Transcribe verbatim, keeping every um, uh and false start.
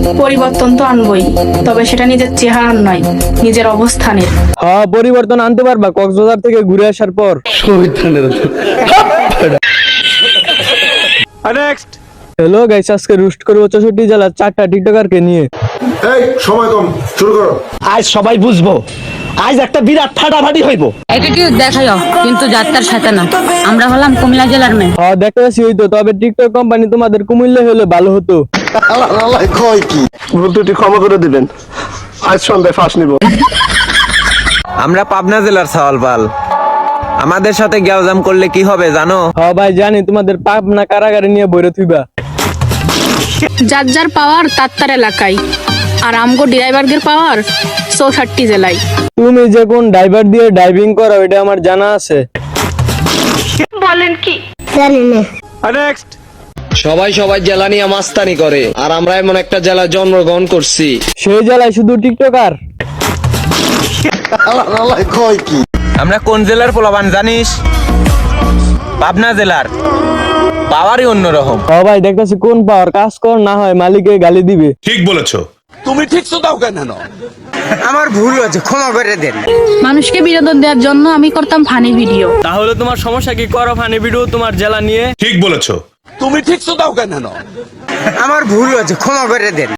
পরিবর্তন তো আনবই, তবে সেটা নিজের চেহারার নয়, নিজের অবস্থানের। হ্যাঁ, পরিবর্তন আনতে পারবা কক্সবাজার থেকে ঘুরে আসার পর। নেক্সট। হ্যালো গাইস, আজকে রুস্ট করবো চৌষট্টি জেলার চারটা টিকটকারকে নিয়ে। এই সময় কম, শুরু করো। আজ সবাই বুঝবো, আজ একটা বিরাট ফাটাফাটি হইব। অ্যাটিটিউড দেখাইও, কিন্তু যাত্রার সাথে না। আমরা হলাম কুমিল্লা জেলার মেয়ে। হ্যাঁ, দেখতে পাচ্ছি হইতো, তবে টিকটক কোম্পানি তোমাদের কুমিল্লা হলে ভালো হতো। কয় কি ভুল ত্রুটি ক্ষমা করে দিবেন, আজ সন্ধ্যায় ফাঁস নিব। আমরা পাবনা জেলার সাওয়ালপাল। আমাদের সাথে গ্যাওজাম করলে কি হবে জানো? হ্যাঁ ভাই জানি, তোমাদের পাবনা কারাগারে নিয়ে বইরে থুইবা। যার যার পাওয়ার তার তার এলাকায়, আর আমগো ড্রাইভারদের পাওয়ার চৌষট্টি জেলায়। তুমি যে কোন ড্রাইভার দিয়ে ড্রাইভিং করো এটা আমার জানা আছে। বলেন কি? নেক্সট। সবাই সবাই জেলা নিয়ে মাস্তানি করে, আর আমরা এমন একটা জেলায় জন্মগ্রহণ করছি। সেই জেলায় শুধু টিকটকার। কয় কি আমরা কোন জেলার পোলাবান জানিস? পাবনা জেলার। পাওয়ারই অন্যরকম। হ্যাঁ ভাই, দেখতেছি কোন পাওয়ার কাজ কর না হয় মালিকে গালি দিবে। ঠিক বলেছো। তুমি ঠিক তো দাও কেন? আমার ভুল হয়েছে, ক্ষমা করে দেন। মানুষকে বিনোদন দেওয়ার জন্য আমি করতাম ফানি ভিডিও। তাহলে তোমার সমস্যা কি? করো ফানি ভিডিও তোমার জেলা নিয়ে। ঠিক বলেছো। তুমি ঠিক তো দাও কেন? আমার ভুল হয়েছে, ক্ষমা করে দেন।